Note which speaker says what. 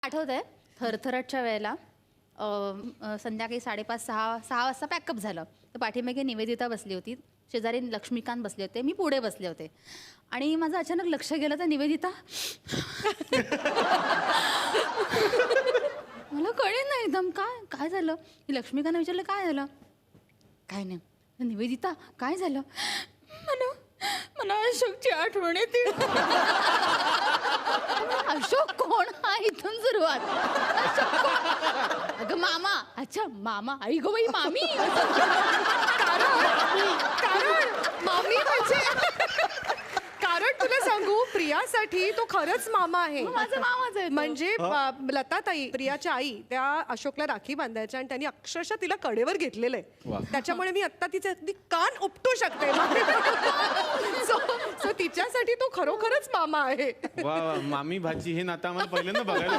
Speaker 1: आठवतंय थरथरटच्या वेळेला संध्याकाळी 5:30-6 वाजता पॅकअप झालं. तर पाठीमागे निवेदिता बसली होती, शेजारी लक्ष्मीकांत बसले होते, मी पुढे बसले होते आणि माझं अचानक लक्ष गेलं तर निवेदिता मला कळेल ना एकदम काय काय झालं. मी लक्ष्मीकांना विचारलं काय झालं. काय नाही. निवेदिता काय झालं. मला मला अशोकची आठवण येते. अशोक कोण हा इथून सुरुवात. अशोक कोण? अगं मामा. अच्छा मामा. आई गो बाई मामी.
Speaker 2: कारण मामी कारण तुला सांगू प्रियासाठी तो खरंच मामा आहे.
Speaker 1: माझा मामाच आहे तो.
Speaker 2: म्हणजे लताताई प्रियाच्या आई त्या अशोकला राखी बांधायच्या आणि त्यांनी अक्षरशः तिला कडेवर घेतलेलं आहे. त्याच्यामुळे मी आता तिचे अगदी कान उपटू शकते. सो तिच्यासाठी तो खरोखरच मामा आहे.
Speaker 3: वा वा, मामी भाची हे नातं आम्हाला पहिल्यांदा बघायला